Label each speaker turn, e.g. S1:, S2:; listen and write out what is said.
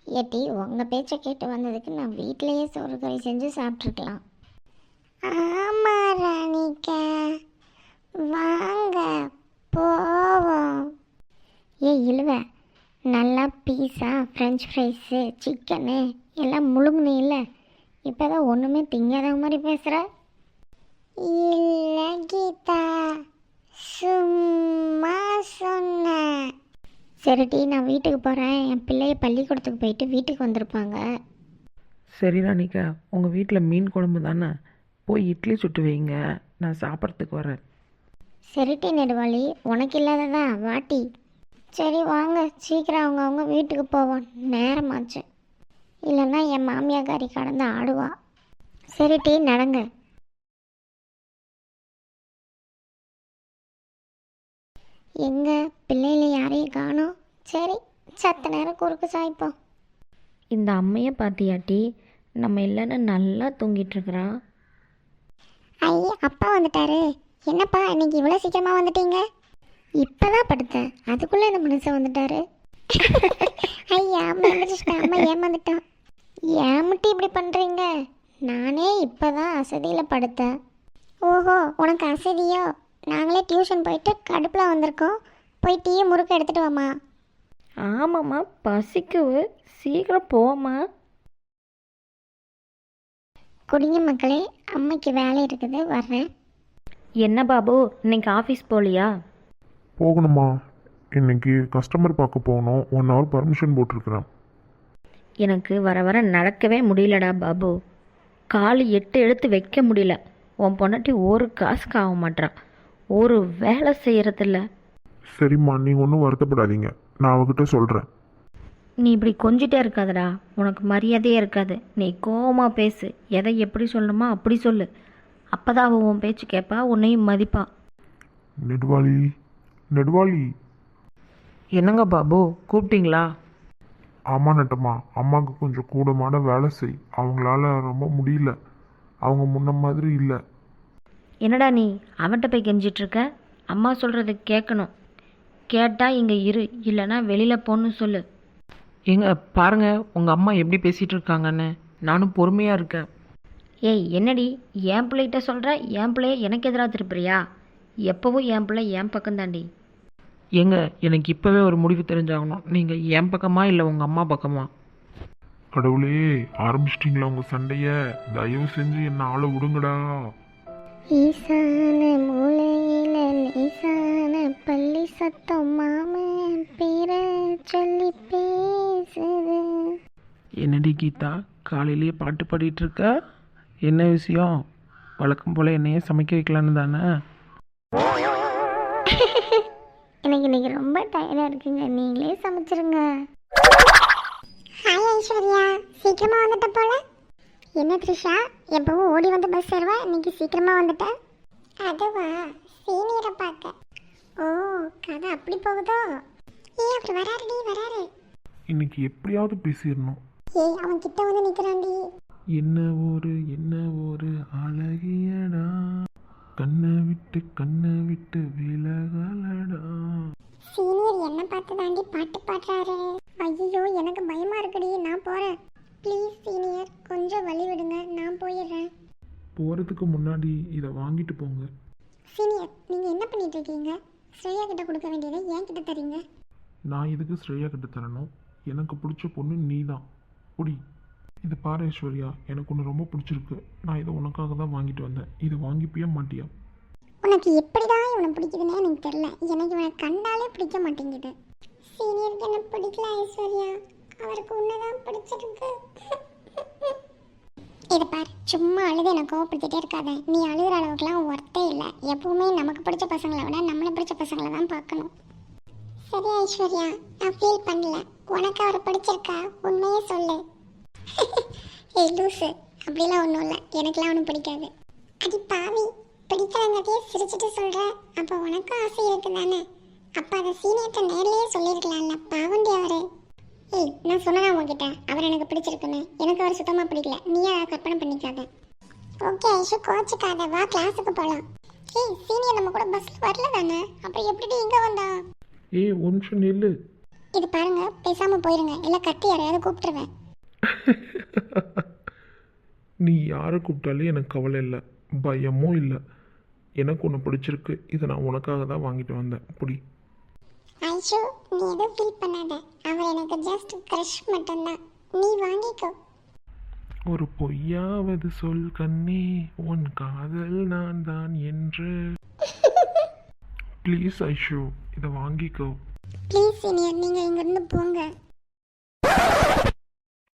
S1: ஏட்டி உங்கள் பேச்சை கேட்டு வந்ததுக்கு நான் வீட்டிலையே சோறு கறி செஞ்சு சாப்பிட்ருக்கலாம். ஆமாம் ராணிக்கா, வாங்க போவோம். இழுவ, நல்லா பீஸா, ஃப்ரெஞ்ச் ஃப்ரைஸு, சிக்கனு எல்லாம் முழுங்குனே இல்லை. இப்போ தான் ஒன்றுமே திங்காத மாதிரி பேசுகிற. இல்லை கீதா, சும்மா சொன்னேன். சரிடி, நான் வீட்டுக்கு போகிறேன். என் பிள்ளைய பள்ளிக்கூடத்துக்கு போயிட்டு வீட்டுக்கு வந்திருப்பாங்க.
S2: சரி ராணிக்கா, உங்கள் வீட்டில் மீன் குழம்பு தானே, போய் இட்லி சுட்டு வைங்க, நான் சாப்பிட்றதுக்கு வரேன்.
S1: சரிட்டி நெடுவாளி, உனக்கு இல்லாததா வாட்டி. சரி வாங்க, சீக்கிரம் அவங்க வீட்டுக்கு போவோம், நேரமாச்சு. இல்லைன்னா என் மாமியாக்காரி கடந்து ஆடுவா. சரிட்டி நடங்க. எங்க பிள்ளையில யாரையும் காணோம். சரி, சத்த நேரம் குறுக்கு சாய்ப்போம்.
S3: இந்த அம்மையை பார்த்தியாட்டி, நம்ம இல்லைன்னு நல்லா தூங்கிட்டுருக்குறான்.
S1: ஐய, அப்பா வந்துட்டாரு. என்னப்பா இன்னைக்கு இவ்வளோ சீக்கிரமாக வந்துட்டீங்க? இப்போதான் படுத்தேன், அதுக்குள்ளே இந்த மனுஷன் வந்துட்டாரு. ஐயா, அம்மா வந்துட்டா, அம்மா ஏமாந்துட்டான். ஏமாட்டி இப்படி பண்ணுறீங்க? நானே இப்போ தான் அசதியில் படுத்தேன். ஓஹோ, உனக்கு அசதியோ? நாங்களே டியூஷன் போயிட்டு கடுப்பில் வந்திருக்கோம். போய் டீயை முறுக்க எடுத்துகிட்டு வாம்மா.
S3: ஆமாம்மா, பசிக்குது, சீக்கிரம் போம்மா.
S1: குடிங்க மக்களே, அம்மைக்கு வேலை இருக்குது, வர்றேன்.
S3: என்ன பாபு, இன்னைக்கு ஆஃபீஸ் போகலையா?
S4: போகணுமா? இன்னைக்கு கஸ்டமர் பார்க்க போகணும். 1 hour பர்மிஷன் போட்டிருக்கிறேன்.
S3: எனக்கு வர வர நடக்கவே முடியலடா பாபு. கால் 8 எடுத்து வைக்க முடியல. உன் பொண்டாட்டி ஒரு காசுக்கு ஆக மாட்டான், ஒரு வேலை செய்கிறதில்ல.
S4: சரிம்மா, நீங்கள் ஒன்றும் வருத்தப்படாதீங்க, நான் அவகிட்ட சொல்கிறேன்.
S3: நீ இப்படி கொஞ்சிட்டே இருக்காதடா, உனக்கு மரியாதையே இருக்காது. நீ கோவமாக பேசு, எதை எப்படி சொல்லணுமோ அப்படி சொல்லு. அப்போ தான் அவன் உன் பேச்சு கேட்பா, உன்னையும் மதிப்பா.
S4: நெடுவாளி, நெடுவாளி.
S2: என்னங்க பாபு, கூப்பிட்டீங்களா?
S4: ஆமாம் நட்டம்மா, அம்மாவுக்கு கொஞ்சம் கூடமாட வேலை செய். அவங்களால ரொம்ப முடியல, அவங்க முன்ன மாதிரி இல்லை.
S3: என்னடா நீ அவன்கிட்ட போய் கெஞ்சிட்ருக்க? அம்மா சொல்கிறத கேட்கணும். கேட்டால் இங்கே இரு, இல்லைன்னா வெளியில் போன்னு சொல்லு.
S2: ஏங்க பாருங்க, உங்கள் அம்மா எப்படி பேசிகிட்டு இருக்காங்கன்னு. நானும் பொறுமையாக இருக்கேன்.
S3: ஏய் என்னடி, என் பிள்ளைகிட்ட சொல்கிற, என் பிள்ளைய எனக்கு எதிராக திருப்புறியா? எப்போவும் என் பிள்ளை என் பக்கம் தாண்டி.
S2: ஏங்க, எனக்கு இப்போவே ஒரு முடிவு தெரிஞ்சாகணும். நீங்கள் என் பக்கமா இல்லை உங்கள் அம்மா பக்கமா?
S4: கடவுளே, ஆரம்பிச்சிட்டிங்களா உங்கள் சண்டையை? தயவு செஞ்சு என்ன ஆளை விடுங்கடா.
S1: ஈசான மூலையில லேசான பள்ளி சத்தம் மாமன் பேர சொல்லி பேசுது.
S2: என்னடி கீதா, காலையிலேயே பாட்டு பாடிட்டு இருக்க? என்ன விஷயம்? வழக்கம் போல் என்னையே சமைக்க வைக்கலான்னு தானே?
S1: எனக்கு இன்னைக்கு ரொம்ப டயர்டாக இருக்குங்க, நீங்களே சமைச்சிருங்க. ஹாய் ஐஸ்வர்யா, சீக்கிரமாக வந்துட்ட போல. என்ன த்ரிஷா, எப்பவும் ஓடி வந்து பஸ் ஏறுவா, இன்னைக்கு சீக்கிரமாக வந்துட்ட? அதுவா, சீனியரை பார்க்க. ஓ, கதை அப்படி போகுதோ? ஏய், அவர் வராருடி, வராரு.
S4: இன்னைக்கு எப்படியாவது பேசிடணும்.
S1: ஏய், அவன் கிட்ட வந்து நிற்கிறான்டி.
S4: என்ன ஒரு அழகியடா, கண்ணை விட்டு விலகலடா.
S1: சீனியர் என்ன பார்த்து தாண்டி பாட்டு பாடுறாரு. ஐயோ, எனக்கு பயமா இருக்குடி, நான் போறேன். ப்ளீஸ் சீனியர், கொஞ்சம் வழி விடுங்க, நான் போயிடுறேன்.
S4: போகிறதுக்கு முன்னாடி இதை வாங்கிட்டு போங்க.
S1: சீனியர், நீங்க என்ன பண்ணிட்டு இருக்கீங்க? ஸ்ரேயா கிட்ட கொடுக்க வேண்டியதை ஏன் கிட்ட தரீங்க?
S4: நான் இதுக்கு ஸ்ரேயா கிட்ட தரணும்? எனக்கு பிடிச்ச பொண்ணு நீ தான். குடி. இது பாரு ஐஸ்வர்யா, எனக்கு ஒன்று ரொம்ப பிடிச்சிருக்கு. நான் இதை உனக்காக தான் வாங்கிட்டு வந்தேன். இது வாங்கிப்பியா மாட்டியா?
S1: உனக்கு எப்படிதான் இவனை பிடிக்குதுன்னே எனக்கு தெரியல. எனக்கு இவனை கண்டாலே பிடிக்க மாட்டேங்குது. சீனியருக்கு என்ன பிடிக்கல ஐஸ்வர்யா, அவருக்கு உன்னதான் பிடிச்சிருக்கு. இதை பார், சும்மா அழுது எனக்கு கோவப்படுத்திட்டே இருக்காத. நீ அழுகிற அளவுக்குலாம் ஒர்த்தே இல்லை. எப்பவுமே நமக்கு பிடிச்ச பசங்களை விட நம்மளை பிடிச்ச பசங்களை தான் பார்க்கணும். சரி ஐஸ்வர்யா, நான் ஃபீல் பண்ணல. உனக்கு அவரை பிடிச்சிருக்கா? உண்மையே சொல்லு. ஏய் லூசு, அப்படிலாம் ஒன்றும் இல்லை, எனக்குலாம் ஒன்றும் பிடிக்காது. அடி பாவி, பிடிக்காதங்கிறதையே சிரிச்சுட்டு சொல்கிற. அப்போ உனக்கும் ஆசை இருக்கு தானே? அப்போ அதை சீனியர்கிட்ட நேர்லேயே சொல்லியிருக்கலாம்ல, பாவண்டி அவரு. ஏய், நான் சொன்னேன் உங்ககிட்ட அவர் எனக்கு பிடிச்சிருக்குன்னு. எனக்கு அவர் சுத்தமாக பிடிக்கல, நீயே அதை கற்பனை பண்ணிக்காத. ஓகே ஐஷு, கோச்சுக்காத, வா கிளாஸுக்கு போகலாம். ஏய், சீனியர் நம்ம கூட பஸ்ஸில் வரல தானே, அப்புறம் எப்படி இங்கே வந்தா?
S4: ஏய், ஒரு நிமிஷம் நில்லு.
S1: இது பாருங்க, பேசாம போயிருங்க, இல்லை கத்தி யாரையாவது கூப்பிட்டுருவேன்.
S4: நீ யாரை கூப்பிட்டாலே எனக்கு கவலை இல்லை, பயமும் இல்லை. எனக்கு ஒன்று பிடிச்சிருக்கு, இதை நான் உனக்காக தான் வாங்கிட்டு வந்தேன். புடி.
S1: ஐஷோ, நீ எதுவும் ஃபீல் பண்ணாத. அவர் எனக்கு ஜஸ்ட் க்ரஷ் மட்டும்தான். நீ வாங்கிக்கோ.
S4: ஒரு பொய்யாவது சொல் கண்ணே, உன் காதல் நான் தான் என்று. ப்ளீஸ் ஐஷு, இதை வாங்கிக்கோ.
S1: ப்ளீஸ் சீனியர், நீங்கள் இங்கேருந்து போங்க.